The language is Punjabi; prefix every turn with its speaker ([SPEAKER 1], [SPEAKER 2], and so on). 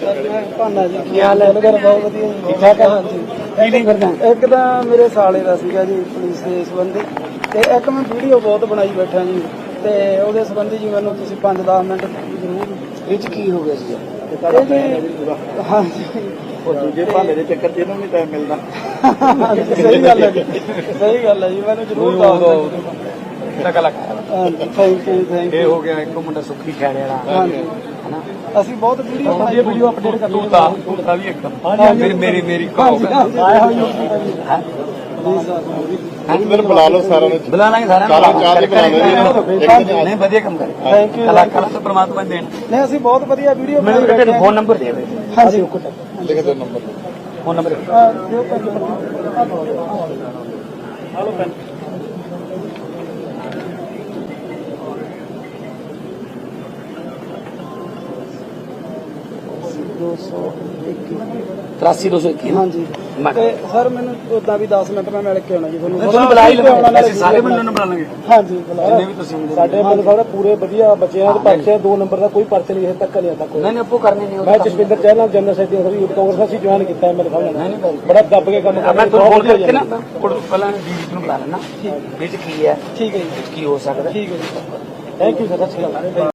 [SPEAKER 1] ਭਾਨਾ ਜੀ ਕੀ ਹਾਲ ਹੈ? ਬਹੁਤ ਵਧੀਆ ਜੀ, ਠੀਕ ਠਾਕ ਹੈ। ਹਾਂਜੀ ਕੀ ਨਹੀਂ ਕਰਦਾ? ਇੱਕ ਤਾਂ ਮੇਰੇ ਸਾਲੇ ਦਾ ਸੀਗਾ ਜੀ ਪੁਲਿਸ ਦੇ ਸੰਬੰਧੀ, ਤੇ ਇੱਕ ਮੈਂ ਵੀਡੀਓ ਬਹੁਤ ਬਣਾਈ ਬੈਠਾ ਜੀ, ਤੇ ਉਹਦੇ ਸੰਬੰਧੀ ਜੀ ਮੈਨੂੰ ਤੁਸੀਂ 5-10 ਮਿੰਟ ਜ਼ਰੂਰ।
[SPEAKER 2] ਇਹ 'ਚ ਕੀ ਹੋ ਗਿਆ ਸੀ?
[SPEAKER 1] ਹਾਂਜੀ
[SPEAKER 2] ਉਹ ਦੂਜੇ ਭਾਲੇ ਦੇ ਚੱਕਰ 'ਚ ਇਹਨੂੰ ਨਹੀਂ ਟਾਈਮ ਮਿਲਦਾ।
[SPEAKER 1] ਸਹੀ ਗੱਲ ਹੈ ਜੀ, ਸਹੀ ਗੱਲ ਹੈ ਜੀ, ਮੈਨੂੰ ਜ਼ਰੂਰ ਦੱਸ ਦਿਓ। ਹਾਂਜੀ ਥੈਂਕ ਯੂ।
[SPEAKER 2] ਇਹ ਹੋ ਗਿਆ ਇੱਕ ਮੁੰਡਾ ਸੁੱਖੀ ਖੈੜੇ ਵਾਲਾ।
[SPEAKER 1] ਹਾਂਜੀ ਅਸੀਂ ਬਹੁਤ ਵੀਡੀਓ ਬਣਾਈ,
[SPEAKER 2] ਵੀਡੀਓ ਅਪਡੇਟ ਕਰ ਤੂੰ ਵੀ ਇੱਕ ਮੇਰੀ
[SPEAKER 1] ਆਇਆ ਹੋਈ
[SPEAKER 2] ਮੈਨੂੰ ਬੁਲਾ ਲਓ ਸਾਰਿਆਂ ਨੂੰ। ਬੁਲਾ ਲਾਂਗੇ ਸਾਰਿਆਂ ਨੂੰ। ਨਹੀਂ ਵਧੀਆ ਕੰਮ ਕਰ।
[SPEAKER 1] Thank you.
[SPEAKER 2] ਕਲਾਕਾਰਾਂ ਤੋਂ ਪ੍ਰਮਾਤਮਾ ਦੇਣ।
[SPEAKER 1] ਨਹੀਂ ਅਸੀਂ ਬਹੁਤ ਵਧੀਆ ਵੀਡੀਓ
[SPEAKER 2] ਮੈਨੂੰ ਤੇਰਾ ਫੋਨ ਨੰਬਰ ਦੇ ਦੇ।
[SPEAKER 1] ਹਾਂਜੀ
[SPEAKER 2] ਲਿਖ ਦੇ ਨੰਬਰ। ਫੋਨ ਨੰਬਰ
[SPEAKER 1] ਦਿਓ ਪੈਨ। Hello pen. ਹਾਂਜੀ ਤੇ ਸਰ ਮੈਨੂੰ ਉਦਾਂ ਵੀ 10 ਮਿੰਟ ਮੈਂ ਮਿਲ ਕੇ ਆਉਣਾ ਜੀ ਤੁਹਾਨੂੰ
[SPEAKER 2] ਬੁਲਾ ਹੀ ਲਵਾਂਗੇ। ਅਸੀਂ ਸਾਰੇ ਬੰਦੇ ਨੂੰ ਬੁਲਾ ਲਾਂਗੇ।
[SPEAKER 1] ਹਾਂਜੀ
[SPEAKER 2] ਜਿੰਨੇ ਵੀ ਤੁਸੀਂ
[SPEAKER 1] ਸਾਡੇ ਬੰਦੇ ਸਾਰੇ ਪੂਰੇ ਵਧੀਆ ਬੱਚਿਆਂ ਦੇ ਪਰਚੇ 2 ਨੰਬਰ ਦਾ ਕੋਈ ਪਰਚੇ ਨਹੀਂ ਹਜੇ ਤੱਕ ਨਹੀਂ ਆਤਾ ਕੋਈ।
[SPEAKER 2] ਨਹੀਂ ਆਪੋ ਕਰਨੇ ਨਹੀਂ।
[SPEAKER 1] ਮੈਂ Jaswinder Chahal general secretary youth Congress ਅਸੀਂ ਜੁਆਇਨ ਕੀਤਾ ਮੇਰੇ ਸਾਹਮਣੇ। ਬੜਾ ਦੱਬ ਕੇ ਕੰਮ
[SPEAKER 2] ਮੈਂ ਤੁਹਾਨੂੰ ਫੋਨ ਕਰਕੇ ਨਾ ਪਹਿਲਾਂ ਡੀਜੀ ਨੂੰ ਬੁਲਾ ਲੈਣਾ। ਇਹ 'ਚ ਕੀ ਹੈ?
[SPEAKER 1] ਠੀਕ ਹੈ ਜੀ,
[SPEAKER 2] ਕੀ ਹੋ ਸਕਦਾ?
[SPEAKER 1] ਠੀਕ ਹੈ ਜੀ, ਥੈਂਕ ਯੂ ਸਰ।